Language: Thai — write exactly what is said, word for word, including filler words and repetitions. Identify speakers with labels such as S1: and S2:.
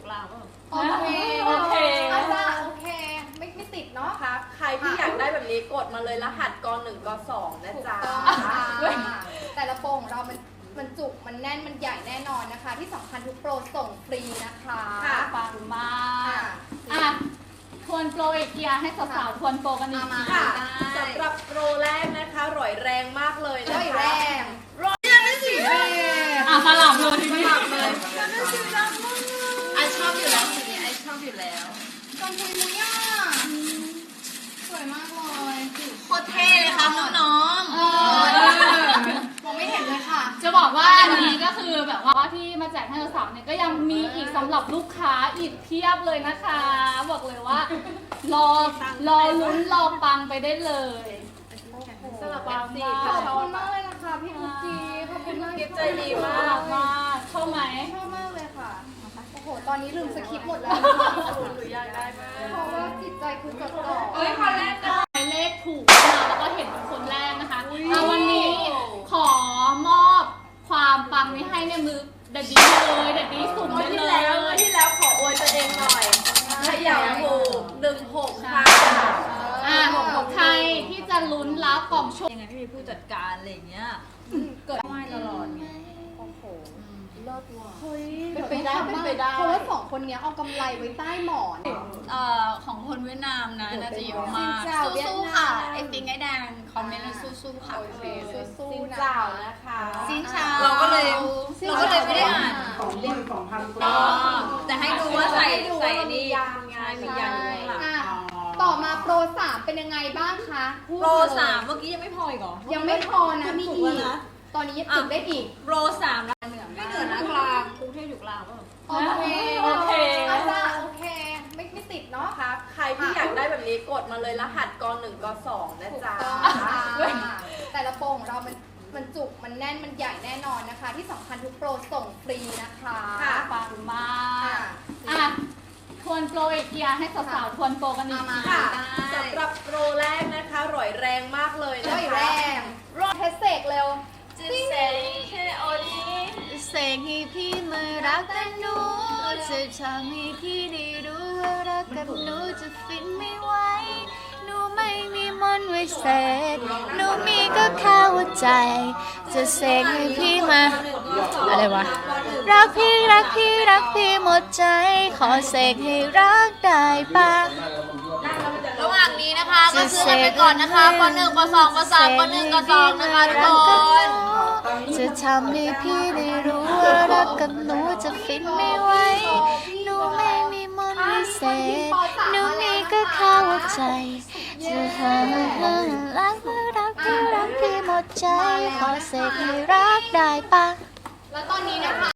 S1: กลางป่ะ
S2: โอเคโอเคอาจารย์โอเคไม่ไม่ติดเนาะ
S3: ค่ะใครที่อยากได้แบบนี้กดมาเลยรหัสกหนึ่งกสองนะจ๊ะ
S2: แต่ละโปรงของเรามันมันจุกมันแน่นมันใหญ่แน่นอนนะคะที่สำคัญทุกโปรส่งฟรีนะคะ
S1: ปังมากอ่ะทวนโปรอีกทีให้สาวๆทวนโปรกันอีกที
S3: ค่ะสำหรับโปรแรกนะคะร่อยแรงมากเลยนะคะ
S2: ร่อยแรง
S3: ร่อยแรงสีแดง
S1: อ่ะสลับเลยทีนี้สลับเลย
S3: ไอชอบอยู่แล้วสีนี้ไอชอบอยู่แล้ว
S2: กางเกงมุ้ยอ่ะสวยมากเลย
S3: โคตรเท่เลยค่ะน้องๆ
S2: มองไม่เห็นเลยค่ะ
S1: จะบอกว่าอันนี้ก็คือแบบว่าที่มาแจกให้สาวๆเนี่ยก็ยังมีอีกสำหรับลูกค้าอีกเพียบเลยนะคะบอกเลยว่ารอรอลุ้นรอปังไปได้เลย
S3: สำหรับปังมาก
S2: ขอบคุณมากเลยนะคะพี่กุ๊กกี้ขอบคุณมาก
S3: ใจดีมาก
S1: มากชอบไหม
S2: ชอบมากเลยค่ะโอ้โหตอนนี้ลืมสคริปต์หมดแล้ว
S3: หรืออยากได้มาก
S2: เพราะว่าจิตใจคือจดจ่อ
S3: เอ้ยคนแรกนะ
S1: เลขถูกมาแล้วก็เห็นเป็นคนแรกนะคะวันนี้ขอมอบความปังนี้ให้ในมือเด็ดดีเลยเด็ดดีสุ่มได้เลย
S3: ที่แล้วขออวยตัวเองหน่อยขยับถูกหนึ่งหกค่ะ
S1: อ่าใครที่จะลุ้นรับกล่องโชค
S3: ยังไงไม่มีผู้จัดการอะไรอย่างเงี้ย
S1: เกิดไม่ตลอดไง
S2: โอ้โห
S3: เลิศว่ะ
S2: เฮ้ยเป็นไปได้เป็นไปได้เพราะว่าสองคนนี้เอากำไรไว้ใต้หมอน
S3: เอ่อของคนเวียดนามนะน่าจะเยอะมากสู้ๆค่ะไอปิงไอแดงคอมเมนต์สู้ๆค่ะโอเค
S2: สู้
S3: ๆ
S2: นะ
S3: เจ้านะคะ
S2: ซินชา
S3: เราก็เลยเราก็เลยไม่ได้อ่าน
S4: สองหมื่นสองพันคน
S3: แต่ให้ดูว่าใส่ใส่นี่ยางไงมียาง
S2: ค่ะต่อมาโปรสามเป็นยังไงบ้างคะ
S3: โปรสามเมื่อกี้ยังไม่พออีกเหรอ
S2: ยังไม่พอนะมีอีกตอนนี้ยังติดได้อีก
S3: โปรสามแล้วเหนือไม่เหนือนะกลางกรุงเทพอยู่กลางป่ะ
S2: โอเคโอเคอาจารย์โอเคไม่ไม่ติดเนาะ
S3: ค่ะใครที่อยากได้แบบนี้กดมาเลยรหัสกหนึ่งกสองนะจ๊ะ
S2: แต่ละโปรงของเรามันมันจุกมันแน่นมันใหญ่แน่นอนนะคะที่สำคัญทุกโปรส่งฟรีนะคะ
S1: ปังมากอ่ะทวนโปรอีกทีให้สาวๆทวนโปรกันอีกที
S3: ค่ะสำหรับโปรแรกนะคะร่อยแรงมากเลยนะคะ
S2: ร่อยแรงเทสเซกเร็ว
S3: จะเสกให้โอลี
S2: เสกให้พี่มารักกันหนูจะทำให้พี่ได้รู้ว่ารักกับหนูจะฟินไม่ไหวหนูไม่มีมนต์ไว้เสกหนูมีก็แค่หัวใจจะเสกให้พี่มาอะไรวะรักพี่รักพี่รักพี่หมดใจขอเสกให้รักได้ปะ
S3: ระหว่างนี้นะคะก็ซื้อกันไปก่อนนะคะปหนึ่งปสองปสามปหนึ่งปสองนะคะทุกคน
S2: จะทำให้พี่ได้รู้ว่ารักกับหนูจะฟินไม่ไหวหนูไม่มีมนต์วิเศษหนูมีก็แค่หัวใจจะทำให้รักรักพี่รักพี่หมดใจขอเสกให้รักได้ปะแล้วตอนนี้นะคะ